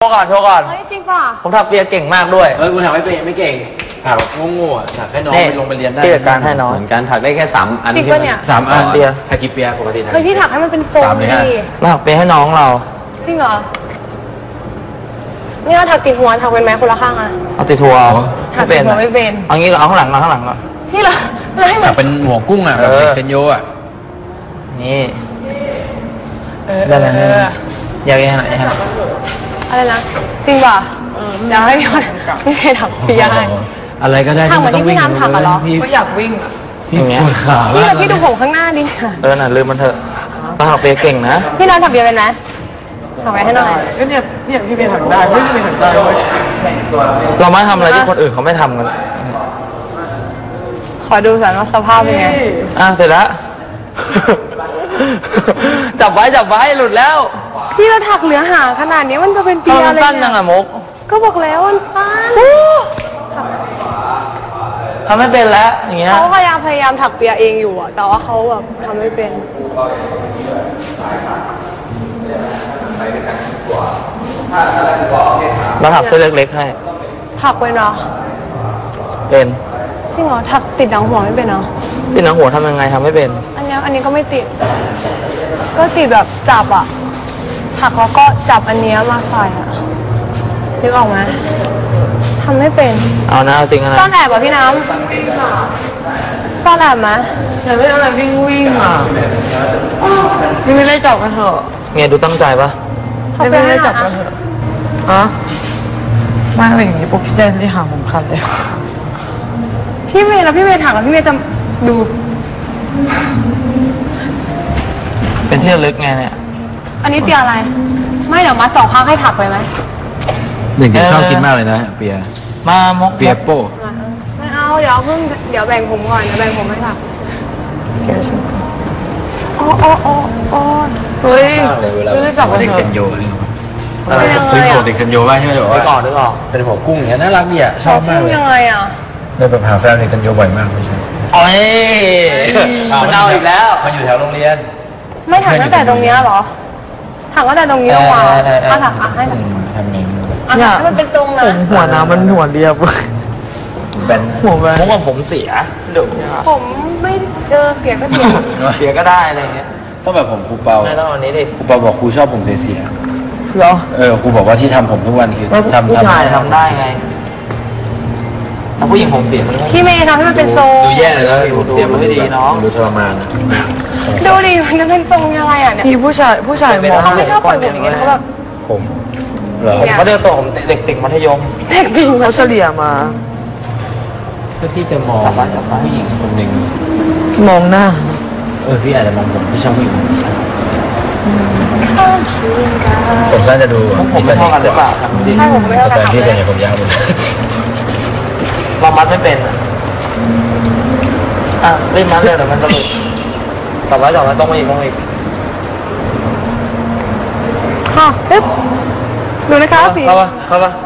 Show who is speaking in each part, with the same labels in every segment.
Speaker 1: โชว์ก่อน
Speaker 2: เฮ้ยจริงป่ะ
Speaker 1: ผมถักเปียเก่งมากด้วย
Speaker 3: กูถักไม่เก่งถักโง่ๆถักให้น้องไปลงไปเรียนได้
Speaker 1: ที่การให้น้อง
Speaker 3: เหมือนกันถักได้แค่3 อัน3 อัน
Speaker 1: เปีย
Speaker 3: ถักกี่เปียปกติถัก
Speaker 2: เฮ้ยพี่ถักให้มันเป็นทรงดิ
Speaker 1: ถักเปียให้น้องเรา
Speaker 2: จริงเหรอนี่เราถักติดหัวถักเป็นไหมคนละข้างอ่ะ
Speaker 1: เอาติดหัว
Speaker 2: ถักติดหัวไม่เป็น
Speaker 1: เอางี้เราเอาข้างหลัง
Speaker 2: นี่เหรอแล้วให้
Speaker 3: ถักเป็นหัวกุ้งอ่ะแบบเด็กเซนโยอ่ะ
Speaker 1: นี่ได้ไหมอยากยังไง
Speaker 2: อะไรนะจริงป่ะเดี๋ยวให้พี่ไม่เคยถักเปียให้
Speaker 3: อะไรก็ได้
Speaker 2: ที่มันต้องวิ่งถักเหรอ
Speaker 4: ก็อยากวิ่ง
Speaker 3: พี่ปวดขา
Speaker 2: พี่ดูผมข้างหน้าดิ
Speaker 1: น่ะลืมมันเถอะถักเปียเก่งนะ
Speaker 2: พี่น้องถักเปียเป็นไหมถักไว้ให้หน่อย
Speaker 4: ก็เนี่ยพี่เป็นถักได้พี่เป็นถักได้
Speaker 1: เราไม่ทำอะไรที่คนอื่นเขาไม่ทำกัน
Speaker 2: ขอดูสันว่าสภาพเป็นไง
Speaker 1: เสร็จแล้วจับไว้หลุดแล้ว
Speaker 2: พี่เราถักเหลือหางขนาดนี้มันจะเป็นเปียอะไร
Speaker 1: สั้นยังอะมก
Speaker 2: ก็บอกแล้วมันสั้น
Speaker 1: ทำไม่เป็นแล้วอย่างเงี้ย
Speaker 2: เขาพยายามถักเปียเองอยู่อะแต่ว่าเขาแบบทำไม่เป็น
Speaker 1: เราถักเส้นเล็กๆให้
Speaker 2: ถักไว้เนาะ
Speaker 1: เป็น
Speaker 2: จริงเหรอถักติดหนังหัวไม่เป็นเนาะ
Speaker 1: ติดหนังหัวทำยังไงทำไม่เป็น
Speaker 2: อันนี้ก็ไม่ติดก็ติดแบบจับอะถักแล้วก็จับอันนี้มาใส่อะนึกออกไหมทำไม่เป็น
Speaker 1: เอานะเอาจริงนะ
Speaker 2: ซ่อนแอบป่ะพี่น้ำซ่อนแอบไหม
Speaker 4: แต่ไม่อะไรวิ่งอ่ะพี่ไม่ได้จับกันเถอะ
Speaker 1: เงี้ยดูตั้งใจปะ
Speaker 4: ไม่ได้จับกันเถอะไม่เป็นอย่างนี้ปุ๊บพี่แจ๊ที่หาผมคันเลย
Speaker 2: พี่เมย์แล้วพี่เมย์ถักแล้วพี่เมย์จะดู
Speaker 1: เป็นที่ระลึกไงเนี่ย
Speaker 2: อันนี้เปียอะไรไม่เดี๋ยวมา2 ข้างให้ถักไปไหม
Speaker 3: เด็กๆชอบกินมากเลยนะเปีย
Speaker 1: มามก
Speaker 3: เปียโป้
Speaker 2: ไม่เอาเดี๋ยวแบ่งผมก่อนแบ่งผมให้ถักโอ้เฮ้ย
Speaker 3: ไม่ได้จับเด็กเซนโยนี่เป็นหัวเด็กเซนโยป่ะใช่ไหมบอกว่าเป็นหัวกุ้งอย่างนี้น่ารักดีอ่ะชอบมากเลย
Speaker 2: ยังไงอ่ะ
Speaker 3: เดินไปหาแฟนเด็กเซนโยบ่อยมากไม่ใช่
Speaker 1: โอ้ยมันเอาอีกแล้ว
Speaker 3: มันอยู่แถวโรงเรียน
Speaker 2: ไม่ถักตั้งแต่ตรงนี้หรอถักตั้งแต่ตรงนี้หรอถักให้ถัก
Speaker 3: ทำเอง
Speaker 2: เนี่ยมันเป็นตรงนะ
Speaker 4: หัวน้ำมันหัวเรียบ
Speaker 3: เป็น
Speaker 4: หัวแบน
Speaker 1: มุกว่าผมเสียดุ
Speaker 2: ผมไม่เสียก็
Speaker 1: เสียก็ได้อะไรเงี้ย
Speaker 3: ต้องแบบผมครูเปา
Speaker 1: ไม่ต้องอันนี้ดิ
Speaker 3: ครูเปาบอกครูชอบผมเสีย
Speaker 4: เหรอ
Speaker 3: ครูบอกว่าที่ทำผมทุกวันคือ
Speaker 1: ผู้ชายทำได้ไงถ้าผู้หญิงผมเสียมัน
Speaker 2: พี่เมย์ทำให้มันเป็นทรง
Speaker 3: ดูแย่เลยนะ
Speaker 1: เสียมันไม่ดีน้อง
Speaker 3: ดูทรมานนะ
Speaker 2: ดูดิมันจะเป็นทรงยังไงอ่ะเนี่ย
Speaker 4: ผู้ชาย
Speaker 2: เขาไม่ชอบปล่อยผมอย่างเงี้ยเขาแบบ
Speaker 3: ผมเหรอ
Speaker 1: เขาเรียกตัวผมเด็กมัธยม
Speaker 4: เขาเฉลี่ยมา
Speaker 3: เพื่อที่จะมองผู้หญิงคนหนึ่ง
Speaker 4: มองหน้า
Speaker 3: พี่อาจจะมองผมไม่ชอบผู้หญิงผมสั้นจะดู
Speaker 1: ผมไม่เท่ากันหรือเปล่า
Speaker 2: ใช่ผมไม่เท่ากัน
Speaker 3: แฟนพี่เป็นอย่างผมยาวเลย
Speaker 1: เรามัดไม่เป็นรีบมัดเลยเดี๋ยวมันจะหลุดต่อไปต้องมาอีก
Speaker 2: ปึ๊บดูนะคะสิ
Speaker 1: เข้าปะ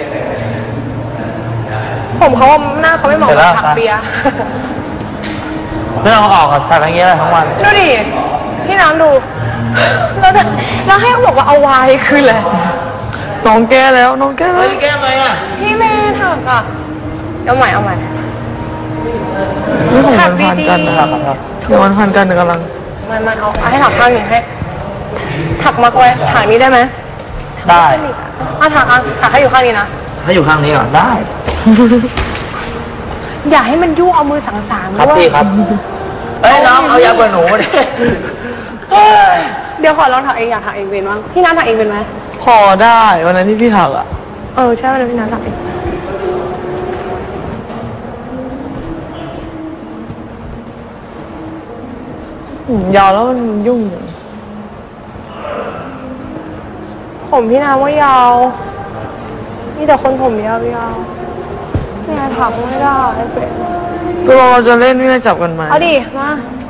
Speaker 2: ผมเขาหน้าเขาไม่เหมาะกับถักเปีย
Speaker 1: ไม่เอาออกอะถักอย่างเงี้ยทั้งวัน
Speaker 2: ดูดิพี่น้ำดูแล้วให้เขาบอกว่าเอาวายคือเลย
Speaker 4: น้องแก้แล้ว
Speaker 1: แก้ไหมอ่ะ
Speaker 2: พี่เมย์ถักอ่ะเอาใหม่
Speaker 4: ถักดีๆเดี๋ยวมันพันกันกำลัง
Speaker 2: มันเอาให้ถักข้างนี้ให้ถักมาไว้ถักนี้ได้ไหม
Speaker 1: ได้
Speaker 2: ถักให้อยู่ข้างนี้นะ
Speaker 1: ให้อยู่ข้างนี้ก่อนได้
Speaker 2: อย่าให้มันยุ่งเอามือสางๆ
Speaker 1: ครับพี่ครับน้องเอายาเบื่อหนูดิ
Speaker 2: เดี๋ยวขอลองถักเองอยากถักเองเป็นบ้างพี่น้ำถักเองเป็นไหม
Speaker 4: พอได้วันนั้นที่พี่ถักอ่ะ
Speaker 2: ใช่วันนั้นพี่น้ำถักเอง
Speaker 4: ยาวแล้วมันยุ่งเลย
Speaker 2: ผมพี่น้ำว่ายาวมีแต่คนผมยาวเนี่ยถักไม่ได้เป็น
Speaker 4: ตัวเราจะเล่นไม่ได้จับกันไหม
Speaker 2: เอาดิมา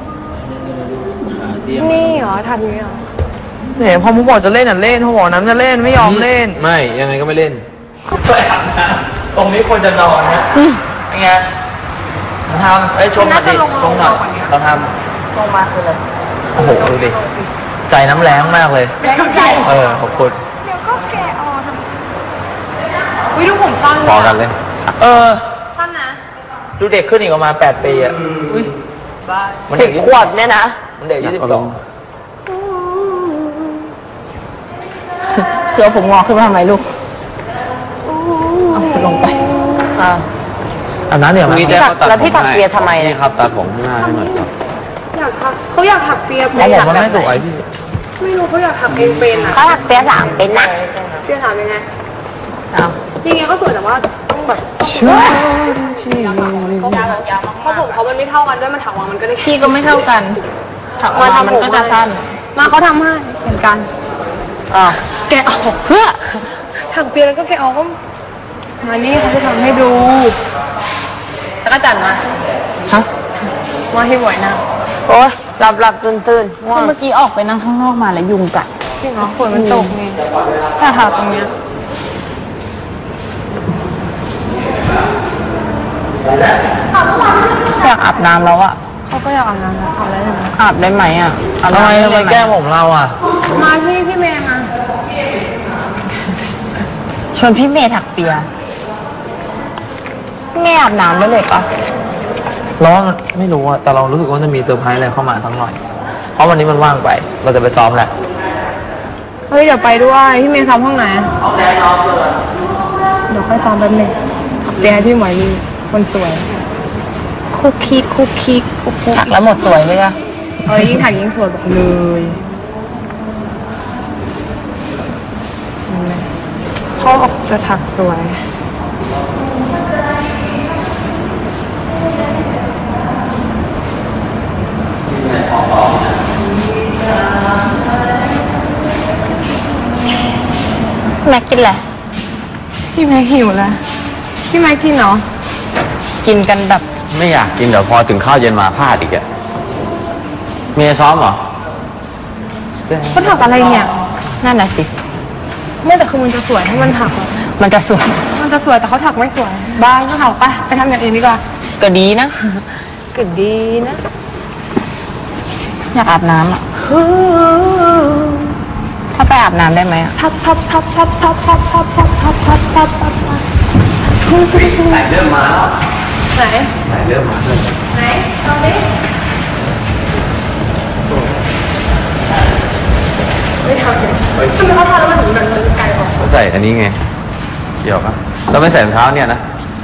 Speaker 2: นี่เหรอถักนี้เหรอ
Speaker 4: เนี่ยพอมุกบอกจะเล่นเล่นพอบอกน้ำจะเล่นไม่ยอมเล่น
Speaker 3: ไม่ยังไงก็ไม่เล่น
Speaker 1: ตรงนี้ควรจะนอนนะยังไงทำชมมาดิตรงหน่อยเราทำ
Speaker 2: ลงมาคืออะไร
Speaker 1: โอ้โหดูดิใจน้ำแรงมากเลย
Speaker 2: แรงใจ
Speaker 1: ขอบคุณ
Speaker 2: เดี๋ยวก็แกะออกผมสั้น
Speaker 3: พอกันเลย
Speaker 2: สั้นนะ
Speaker 1: ดูเด็กขึ้นอีกประมาณ8 ปีอ่ะ
Speaker 2: บ้า
Speaker 1: มันเด็ก
Speaker 2: 10 ขวบเนี่ยนะ
Speaker 1: มันเด็ก22
Speaker 2: เสือผมงอกขึ้นมาทำไมลูกเอาลงไป
Speaker 1: อาบน้ำเนี่ย
Speaker 3: พี่แจ๊คเขาตัด
Speaker 2: แล้วพี่ถักเปียทำไมเนี่ย
Speaker 3: พี่ครับตัดผมข้างหน้าให้หน่อยครับ
Speaker 2: อยากถักเขาอยากถักเปีย
Speaker 1: หมอบอกมันไม่สวยพี่
Speaker 2: ไม่รู้เขาอยากถักเองเป็นอ่ะเขาถักเปียสามเป็นนะเปียสามเป็นไงยังไงก็สวยแต่ว่าต้องแบบเพราะผมเขามันไม่เท่ากันด้วยมันถักวางมันก็ได้พี่ก็ไม่เท่ากันถักวางมันก็จะสั้นมาเขาทำให้เหมือนกันแกะออกเพื่อถักเปียแล้วก็แกะออกก็มานี่เขาจะทำให้ดูแล้วก็จัดมาฮะว่าให้บ่อยนะโอ๊ยหลับตื่นเมื่อกี้ออกไปนั่งข้างนอกมาแล้วยุงกัดจริงเหรอฝนมันตกไงถ้าหาตรงเนี้ยอยากอาบน้ำแล้วอ่ะเขาก็อยากอาบน้ำแล้วอาบได้ไหมอาบได้ไหมอ่ะอาบ
Speaker 1: ทำไม
Speaker 2: ด้
Speaker 1: ทำไมแก้ผมเราอ่ะ
Speaker 2: มาพี่เมย์มาชวนพี่เมย์ถักเปียแม่อาบน้ำได้เลยปะ
Speaker 1: เราว่ามันไม่รู้อ่ะแต่เรารู้สึกว่าจะมีเซอร์ไพรส์อะไรเข้ามาทั้งหน่อย เพราะวันนี้มันว่างไป เราจะไปซ้อมแหละ
Speaker 2: เฮ้ยเดี๋ยวไปด้วยพี่เมย์ซ้อมห้องไหนเดี๋ยวค่อยซ้อมแป๊บนึงเตียพี่หมวยมีคนสวยคุกคิกถักแล้วหมดสวยเลยอะยิ่งถักยิ่งสวยบอกเลยพ่อจะถักสวยแม็กกินแหละพี่แม็กหิวแล้วพี่แม็กกินเนาะกินกันแบบ
Speaker 3: ไม่อยากกินเดี๋ยวพอถึงข้าวเย็นมาพลาดอีกอะเมียซ้อมเหรอ
Speaker 2: เขาถักอะไรเนี่ยนั่นน่ะสิไม่แต่คือมันจะสวยถ้ามันถักมันจะสวยแต่เขาถักไม่สวยบ้าก็ถักไปทำอย่างอื่นดีกว่าก็ดีนะอยากอาบน้ำอ่ะถ้าไปอาบน้ำได้ไหมอ่ะทับ
Speaker 3: ไหนเริ่มมาแล้ว
Speaker 2: ไหน
Speaker 3: ไหนเริ่มมาแล้ว
Speaker 2: ไหนตรงนี้ไม่ทำเลยทำไมเขาทำแล้วมันถึงมันไกลออก
Speaker 3: เขาใส่อันนี้ไงเกี่ยวปะเราไม่ใส่รองเท้าเนี่ยนะ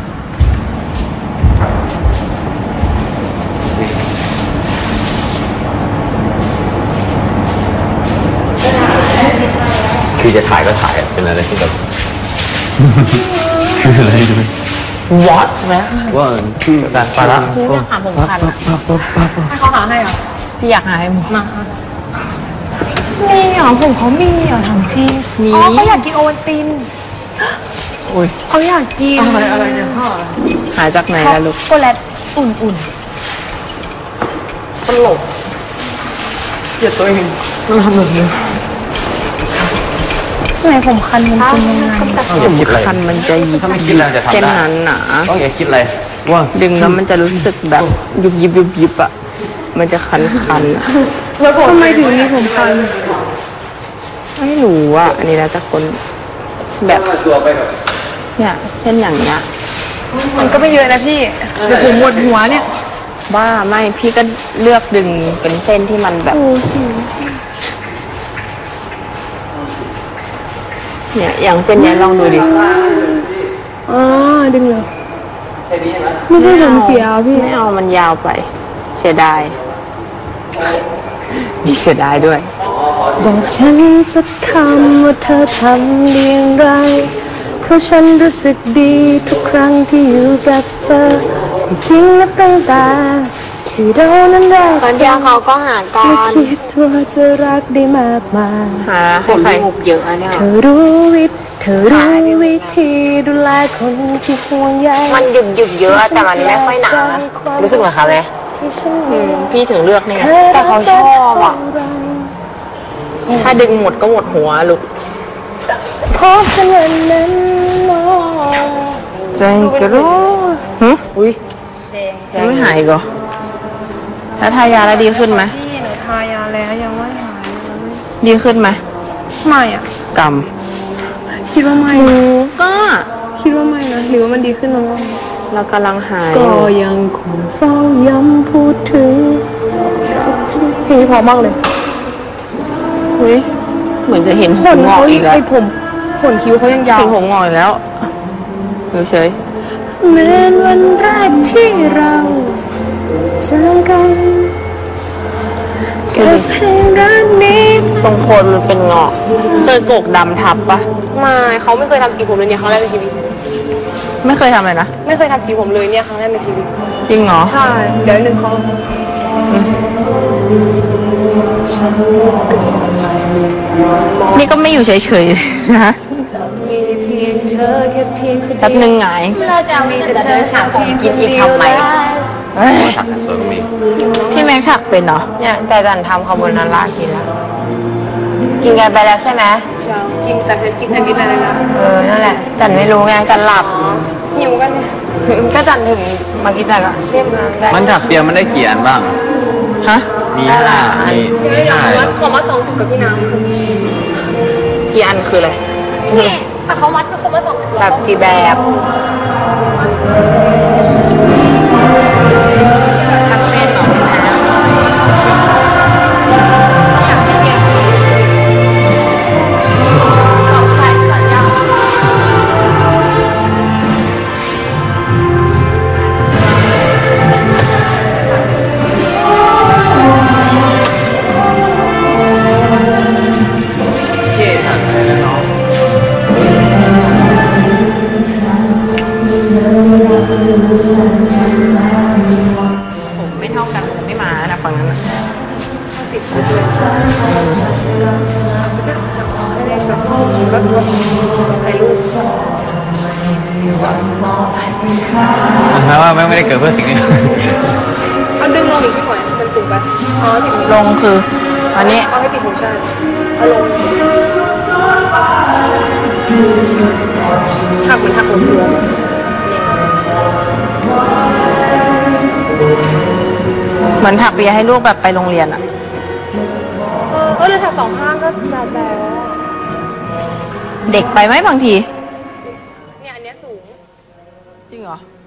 Speaker 3: คือจะถ่ายก็ถ่ายเป็นอะไรที่แบบคืออะไรดู
Speaker 1: วอตไหม
Speaker 3: ว่าคือการไปละ
Speaker 2: พี่อยากหาผมคันให้เขาหาให้เหรอพี่อยากหาให้ผมมามีเหรอผมเขามีเหรอทำที่มีเขาอยากกินโอวัลตินเขาอยากกินอะไรเนี่ยพ่อหาจากไหนล่ะลูกโกแลตอุ่นตลกเกลียดตัวเองมันทำแบบนี้ทำไมผมคันมันเป็นยังไงผมคันมันจะยิบ
Speaker 3: ถ้าไม่คิดอะไรจะทำได้
Speaker 2: เส้นนั้นหนา
Speaker 3: ต้องอย่าคิดอะไรว่า
Speaker 2: ดึงแล้วมันจะรู้สึกแบบยุบอ่ะมันจะคันแล้วทำไมถึงมีผมคันไม่รู้อ่ะอันนี้แล้วแต่คนแบบเนี่ยเช่นอย่างเนี้ยมันก็ไม่เยอะนะพี่เดี๋ยวผมหมดหัวเนี่ยบ้าไม่พี่ก็เลือกดึงเป็นเส้นที่มันแบบเนี่ยอย่างเส้นนี้ลองดูดิดึงเลยไม่ใช่ผมเสียพี่ไม่เอามันยาวไปเสียดายมีเสียดายด้วยบอกฉันสักคำว่าเธอทำดีอย่างไรเพราะฉันรู้สึกดีทุกครั้งที่อยู่กับเธอจริงและตั้งแต่ที่เรานั้นได้ตอนเดียวเขาก็หากันไม่คิดว่าจะรักได้มากมายหาคนหุบเยอะเนี่ยเธอรู้วิธีดูแลคนที่ห่วงใยมันหยุบเยอะแต่มันไม่ค่อยหนารู้สึกเหมือนเขาไหมพี่ถึงเลือกนี่แต่เขาชอบอ่ะถ้าดึงหมดก็หมดหัวลูกเพราะฉะนั้นใจกระรู้อุ้ยยังไม่หายก็แล้วทายาแล้วดีขึ้นไหมพี่หนูทายาแล้วยังไม่หายดีขึ้นไหมไม่อ่ะกรรมคิดว่าไม่หนูก็คิดว่าไม่นะหรือว่ามันดีขึ้นแล้วมั้ง
Speaker 4: เรากำลังหาย
Speaker 2: ก็ยังคงเฝ้าย้ำพูดถึงเพลงเพราะมากเลย
Speaker 4: เฮ้ยเหมือนจะเห็น
Speaker 2: ข
Speaker 4: ผม
Speaker 2: น
Speaker 4: งอ
Speaker 2: เขา
Speaker 4: กอีกแล้ว
Speaker 2: ไอ้ผมขนคิ้วเขายังยาว
Speaker 4: เห็นผมงอกอีกแล้วอยู่เฉย
Speaker 2: เหมือนวันแรกที่เราเจอกันกับเพลงรักนี้
Speaker 4: ตรงโคนมันเป็นงอกเคยโกกดำทับปะ
Speaker 2: ไม่เขาไม่เคยทำสีผมเลยเนี่ยครั้งแรกในชีวิต
Speaker 4: ไม่เคยทำเลยนะ
Speaker 2: ไม่เคยทำสีผมเลยเนี่ยครั้งแรกในชีวิต
Speaker 4: จริงเหรอ
Speaker 2: ใช่เดี๋ยวหนึ่งเขา
Speaker 4: นี่ก็ไม่อยู่เฉยๆนะ
Speaker 2: มีเพียงเธอแค่เพียงคน
Speaker 4: แป๊บนึงไง
Speaker 2: เราจะมีแต่เธอถามของกินอีกทำไม
Speaker 4: เฮ้ย
Speaker 3: ถักสวยมี
Speaker 4: พี่แม็กถักเป็นเหรอ
Speaker 5: เนี่ยแต่จันทำคาโบนาร่ากินแล้ว กินกันไปแล้วใช่ไหม
Speaker 2: กินแต่เธอกินแต่กินอะไรนะ
Speaker 5: นั่นแหละ จันไม่รู้ไง จันหลับ
Speaker 2: หิวกันเนี่ย
Speaker 5: ก็จันถึงมากินแต่ก็เช่นนั้นได้
Speaker 3: มันถักเปียมันได้กี่อันบ้าง
Speaker 4: ฮะ
Speaker 3: มี5มี5เลยเหรอ
Speaker 2: ขอมา20กับพี่น้
Speaker 4: กี่อันคืออะไร
Speaker 2: ำนี่แต่เขาวัดเขามา20
Speaker 5: แบบกี่แบบ
Speaker 4: ทักเป็นเหรอ
Speaker 3: เจ๊ถักอะไรแล้วเนาะ
Speaker 4: ผมไม่เท่ากันผมไม่มานะฝั่งนั้นน่ะ
Speaker 3: แม้ว่าไม่ได้เกิดเพื่อสิ่งนี้
Speaker 2: เอาดึงลงอีกที่หน่อยมันสูงไปอ๋อติด
Speaker 4: ลงคือ อันนี้
Speaker 2: เอาให้ติดหูใช่เอาลงหักเหมือนหักหัวเรือ
Speaker 4: เหมือนถักเปียให้ลูกแบบไปโรงเรียนอะ
Speaker 2: เลยถัก2 ข้างก็แบบแบบ
Speaker 4: เด็กไปไหมบางที
Speaker 2: เนี่ยอันเนี้ยสูง
Speaker 4: จริงเหรอ
Speaker 2: ใ